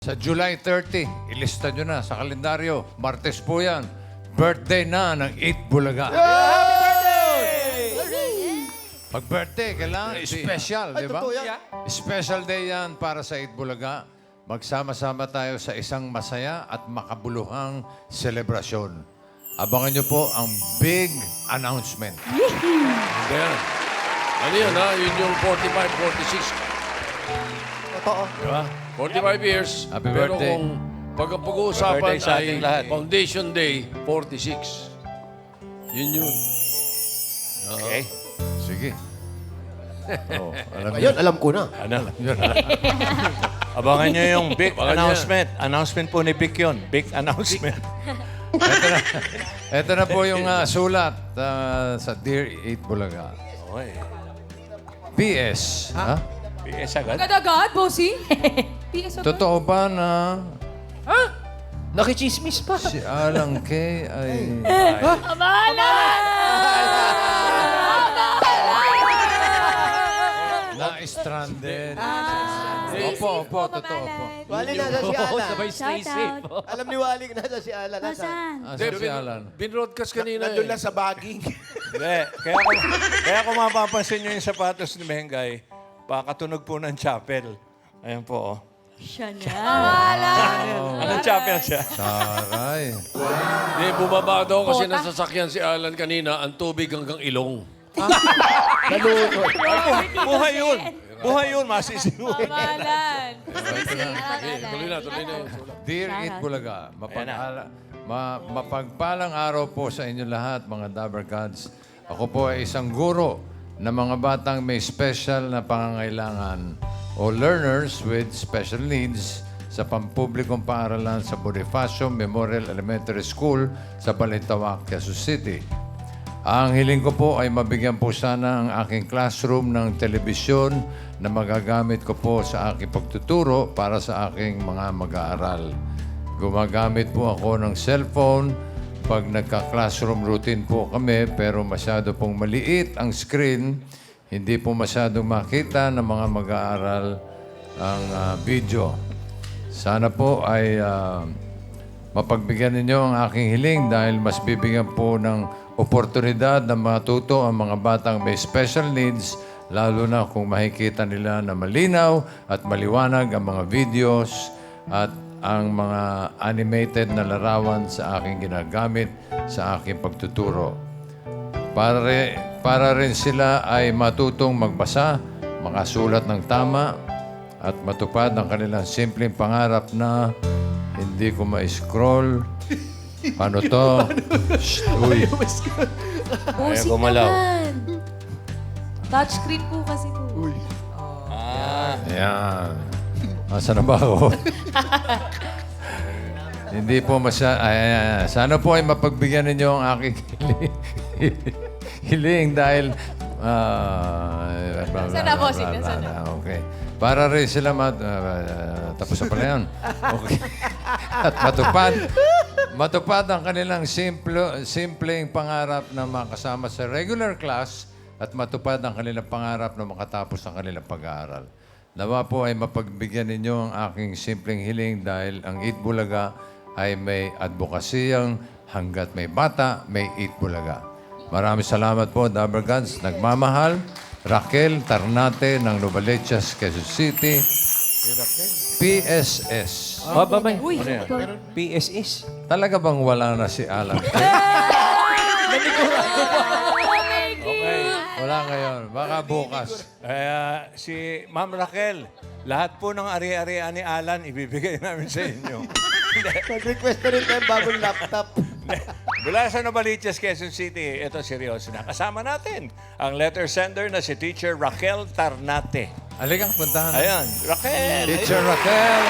Sa July 30, ilista nyo na sa kalendaryo. Martes po yan. Birthday na ng 8 Bulaga. Pag birthday, kailangan special, di ba? Special day yan para sa 8 Bulaga. Magsama-sama tayo sa isang masaya at makabuluhang selebrasyon. Abangan nyo po ang big announcement. Ayan. Ano yun, ha? Yun yung 45, 46. Totoo. Diba? 45 years. Happy Pero birthday. kung pag-uusapan Birthday sa ay ating lahat. Foundation Day, 46. Yun. Okay. Sige. Oh, alam Ngayon, alam ko na. Ano? Abangan nyo yung big Abangan announcement. Announcement po ni Vic yun. Big announcement. Ito na po yung sulat sa Dear 8 Bulaga. Okay. PS. Ha? PS agad. Agad-agad, bossing? PS agad? Totoo ba na Nakichismis pa. si Alang K ay na-stranded? Opo, totoo po. Wali na si Alan. Shout out. Alam ni Wali na si Alan. Nasaan? Asan si Alan? Binroadcast kanina Nandun eh. lang sa bagging. Hindi. Kaya kung mapapansin nyo yung sapatos ni Mengay, pakatunog po ng chapel. Ayan po, oh. Siya na. Anong chapel siya? Taray. Hindi, bumaba daw kasi nasasakyan si Alan kanina, ang tubig hanggang ilong. Buhay yun. Buhay yun, masisiw. Pamalan. Tuloy na yung sulat. Dear 8 Bulaga, mapagpalang araw po sa inyo lahat, mga Dabber Gods. Ako po ay isang guro na mga batang may special na pangangailangan o learners with special needs sa pampublikong paaralan sa Bonifacio Memorial Elementary School sa Balintawak, Quezon City. Ang hiling ko po ay mabigyan po sana ang aking classroom ng telebisyon na magagamit ko po sa aking pagtuturo para sa aking mga mag-aaral. Gumagamit po ako ng cellphone pag nagka-classroom routine po kami pero masyado pong maliit ang screen, hindi po masyadong makita ng mga mag-aaral ang video. Sana po ay mapagbigyan ninyo ang aking hiling dahil mas bibigyan po ng oportunidad na matuto ang mga batang may special needs, lalo na kung makikita nila na malinaw at maliwanag ang mga videos at ang mga animated na larawan sa aking ginagamit sa aking pagtuturo. Para rin sila ay matutong magbasa, makasulat ng tama, at matupad ang kanilang simpleng pangarap na hindi ko ma-scroll. Paano to? Shh, uy. Bossing gumalaw. naman. Touchscreen po kasi po. Ayan. Asa na ba ako? Hindi po ayan. Sana po ay mapagbigyan ninyo ang aking hiling dahil... Nasaan na, bossing? Nasaan na? Okay. Para rin sila tapos na pala yan. Okay. At matupad ang kanilang simpleng pangarap na makasama sa regular class at matupad ang kanilang pangarap na makatapos ang kanilang pag-aaral. Nawa po ay mapagbigyan ninyo ang aking simpleng hiling dahil ang 8 Bulaga ay may advokasiyang hanggat may bata, may 8 Bulaga. Maraming salamat po, Dabber Gods. Nagmamahal, Raquel Tarnate ng Novaliches, Quezon City. PSS. Uy, PSS. Talaga bang wala na si Alan? Wala ngayon. Baka bukas. Si Ma'am Raquel, lahat po ng ari-arian ni Alan, ibibigay namin sa inyo. Mag-request na rin tayo bagong laptop. Mula sa Novaliches, Quezon City, ito seryoso na. Kasama natin ang letter sender na si Teacher Raquel Tarnate. Halika, puntahan. Ayan, Raquel! Teacher Raquel.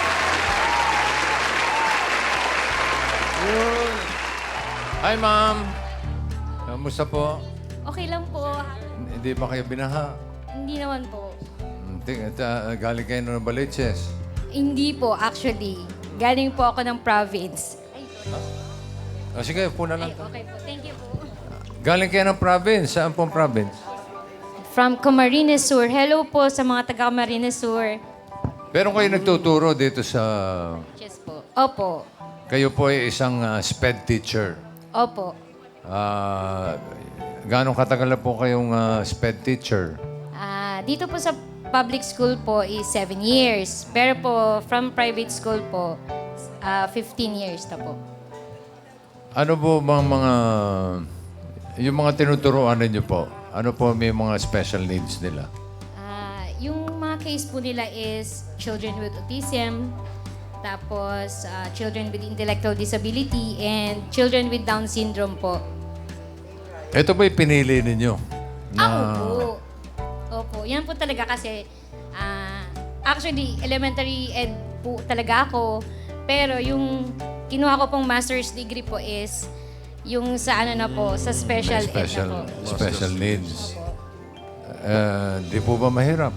Hi, ma'am. Kamusta po? Okay lang po. Hindi ba kayo binaha? Hindi naman po. Galing kayo ng Novaliches. Hindi po, actually. Galing po ako ng province. Ay, O sige, puna lang. okay po. Thank you po. Galing kayo ng province. Saan pong province? From Camarines Sur. Hello po sa mga taga Camarines Sur. Pero kayo nagtuturo dito sa... Yes po. Opo. Kayo po ay isang SPED teacher. Opo. Gano'ng katagal na po kayong SPED teacher? Dito po sa public school po is 7 years. Pero po, from private school po, 15 years na po. Ano po bang mga... Yung mga tinuturuan ninyo po, ano po may mga special needs nila? Yung mga case po nila is children with autism, tapos children with intellectual disability, and children with Down syndrome po. Ito ba yung pinili ninyo? Opo. Opo. Yan po talaga kasi, actually, elementary ed po talaga ako. Pero yung kinuha ko pong master's degree po is yung sa ano na po, sa special, ed na po. Special needs. Di po ba mahirap?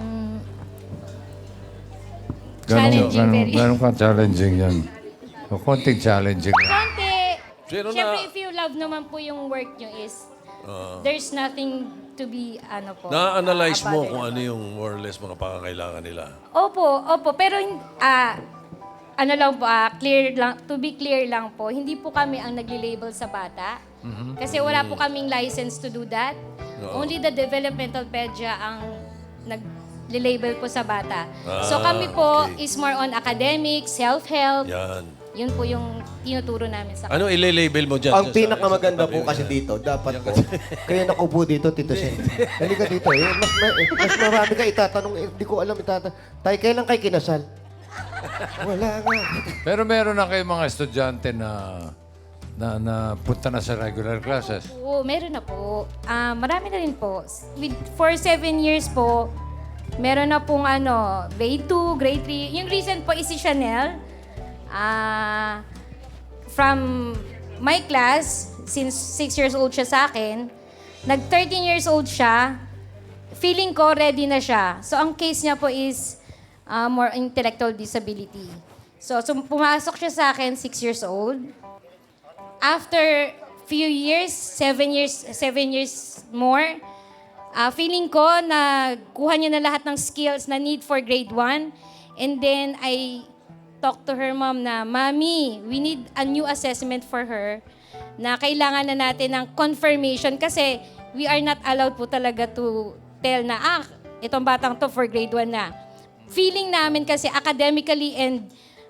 Challenging, very. Gano'n ka challenging yan? O, konting challenging. Konti. Sino Siyempre, na- if you love naman po yung work nyo is, there's nothing to be, ano po. Na-analyze mo about kung it. ano yung more or less mga pangangailangan nila. Opo. Pero, ano lang po, clear lang, to be clear lang po, hindi po kami ang nagli-label sa bata. Kasi wala po kaming license to do that. Only the developmental pedia ang nag-label po sa bata. So kami po okay. is more on academics, self-help. Yan. Yun po yung tinuturo namin sa Ano ile-label mo dyan? Ang pinakamaganda po kasi dito, dapat po, kaya nakaupo dito, Tito Sen. Halika dito. Mas marami ka itatanong. Hindi ko alam itatanong. Tay, kailan kayo kinasal? Wala nga. Pero meron na kayong mga estudyante na punta na sa regular classes. Oo, meron na po. Marami na rin po. For 7 years po, meron na pong grade 2, grade 3. Yung recent po is si Chanel. From my class, since 6 years old siya sa akin, nag-13 years old siya, feeling ko ready na siya. So, ang case niya po is more intellectual disability. So, pumasok siya sa akin, 6 years old. After few years, 7 years more, feeling ko na kuha niya na lahat ng skills na need for grade 1. And then, I talked to her mom na, Mami, we need a new assessment for her na kailangan na natin ng confirmation kasi we are not allowed po talaga to tell na, itong batang to for grade 1 na. Feeling namin kasi academically and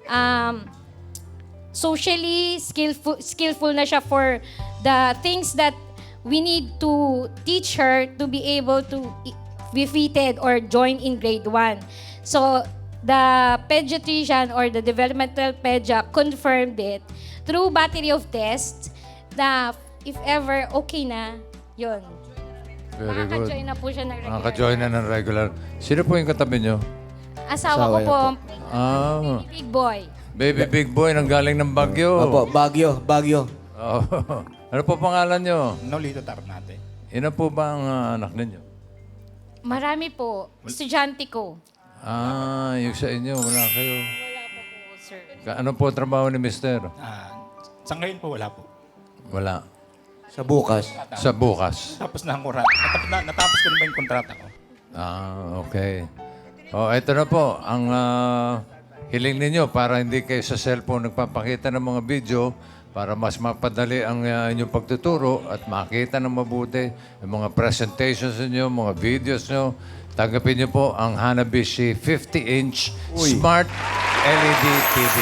socially skillful na siya for the things that we need to teach her to be able to be fitted or join in grade 1. So, the pediatrician or the developmental pedia confirmed it through battery of tests na if ever okay na, yun. Very good. Makaka-join na po siya ng regular. Nakaka-join na ng regular. Sino po yung katabi nyo? Asawa ko Asawa po, Ah, big boy. baby big boy nang galing ng Baguio. Opo, Baguio. Oh. Ano po pangalan nyo? Nolito Tarnate. Ina po ba ang anak ninyo? Marami po. Estudyante ko. Yung sa inyo, wala kayo. Wala po po, sir. Ano po trabaho ni Mister? Sa ngayon po wala po. Wala. Sa bukas. Sa bukas. Tapos na ang kontrata. Natapos ko na ba yung kontrata ko? Okay. Ito na po. Ang hiling ninyo para hindi kayo sa cellphone nagpapakita ng mga video para mas mapadali ang inyong pagtuturo at makita ng mabuti yung mga presentations ninyo, mga videos nyo. Tanggapin niyo po ang Hanabishi 50-inch Smart LED TV.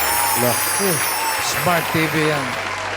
Smart TV yan.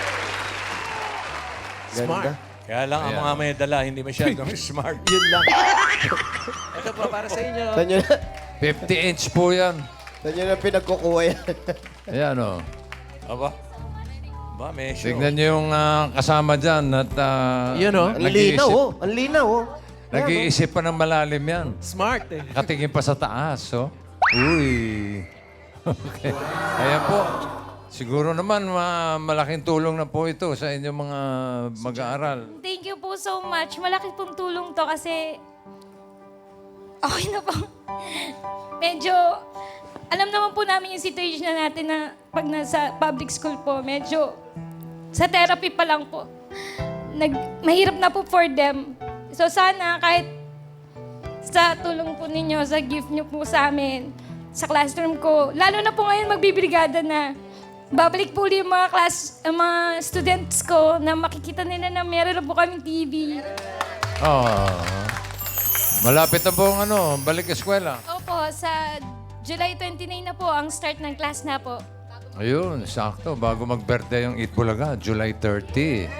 Ganda. Kaya lang ang mga may dala, hindi masyadong smart. Yun lang. Ito po, para sa inyo. Saan nyo na, 50-inch po yan. saan nyo na pinagkukuha yan? Ayan o. Aba? Ba, may show. Tignan niyo yung kasama dyan at Yun, oh. Ang linaw, oh. Ang linaw, oh. nag-iisip pa ng malalim yan. Smart eh. Nakatingin pa sa taas, oh. Uy. Okay. Ayan po. Siguro naman malaking tulong na po ito sa inyong mga mag-aaral. Thank you po so much. Malaki pong tulong to kasi okay na po. Medyo, alam naman po namin yung situation na natin na pag nasa public school po, medyo sa therapy pa lang po. Mahirap na po for them. So sana kahit sa tulong po ninyo, sa gift nyo po sa amin, sa classroom ko. Lalo na po ngayon magbibrigada na. Babalik po ulit yung mga mga students ko na makikita nila na meron na po kaming TV. Oh. Malapit na po ang balik eskwela. Opo, sa July 29 na po ang start ng class na po. Ayun, sakto. Bago mag-birthday yung Eat Bulaga, July 30.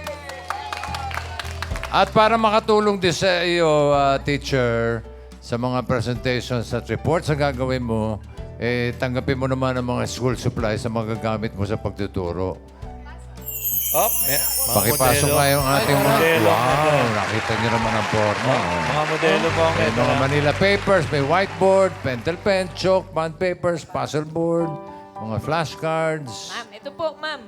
At para makatulong din sa iyo, teacher, sa mga presentations at reports na gagawin mo, tanggapin mo naman ang mga school supplies na magagamit mo sa pagtuturo. Mga Pakipasok modelo. nga yung ating mga... modelo. Wow, nakita niyo naman ang forma. Mga modelo po ang May ito. mga Manila papers, may whiteboard, pentel pen, chalk, bond papers, puzzle board, mga flashcards. Ma'am, ito po, ma'am.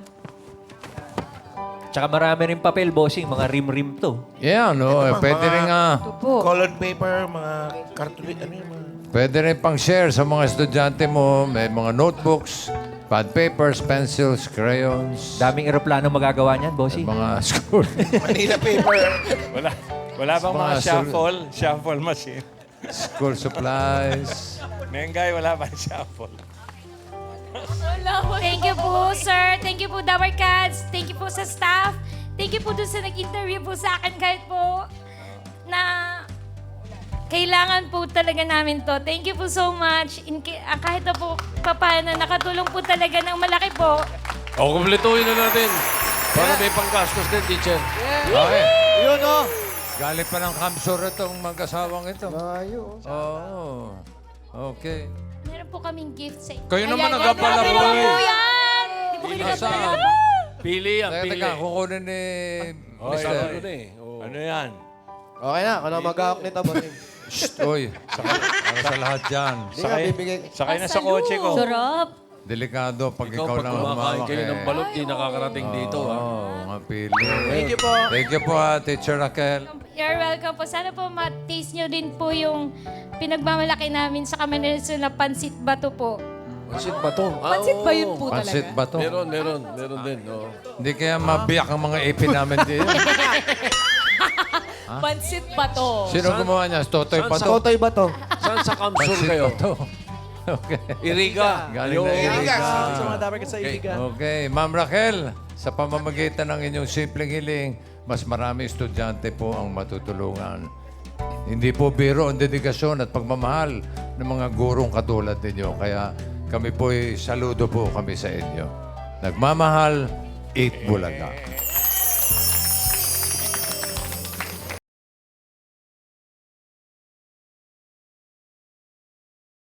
Tsaka marami rin papel, bossing. Mga rim-rim to. Yeah, pwede rin Ito po. Colored paper, mga cartulite, ano yung mga... pwede rin pang share sa mga estudyante mo. May mga notebooks, pad papers, pencils, crayons, Daming eroplano magagawa niyan, bossing. mga school. Manila paper. Wala bang mga Mga shuffle machine? school supplies. Mengay, wala bang shuffle? Thank you po, sir. Thank you po, Dabar Cats. Thank you po sa staff. Thank you po dun sa nag-interview po sa akin kahit po na kailangan po talaga namin to. Thank you po so much. Kahit na po papaano, nakatulong po talaga ng malaki po. O, kumpletuhin na natin. Para may panggastos din, teacher. Okay. Yun, oh. Galing pa ng kamsur itong mag-asawang ito. Layo. Oo. Okay. Meron po kaming gift sa inyo. Kayo naman Ayan, nagkapala grabe po naman eh. po yan! Di po kayo Nasaan? nagkapala. Pili yan, Teka, pili. teka, kukunin ni Oy, Mister. ano na eh. Oo. Ano yan? Okay na, ako na mag-ahok nito, bossing. Shh, oy. Para sa lahat dyan. Hindi nga, bibigay. Sakay na sa kotse ko. Sarap. Delikado pag Ikaw, ikaw pag lang kumakain humawak kayo ng balot, di nakakarating dito. Oo, mga pili. Thank you po. Thank you po, Teacher Raquel. You're welcome po. Sana po ma-taste nyo din po yung pinagmamalaki namin sa Camarines na pansit bato po. Pansit ba to? Pansit ba yun po Pansit talaga? ba to? Meron din. Oo. Hindi kaya mabiyak ang mga ipin namin din. Pansit ba to? Sino gumawa niya? Totoy pa to? Totoy ba to? Saan sa kamsur Pansit kayo? pa to. Okay. Iriga. Galing na Ayun. Iriga. Sa mga dapat sa Iligan. Okay. Ma'am Raquel, sa pamamagitan ng inyong simpleng hiling, mas marami estudyante po ang matutulungan. Hindi po biro ang dedikasyon at pagmamahal ng mga gurong katulad ninyo. Kaya kami po saludo po kami sa inyo. Nagmamahal, Eat Bulaga.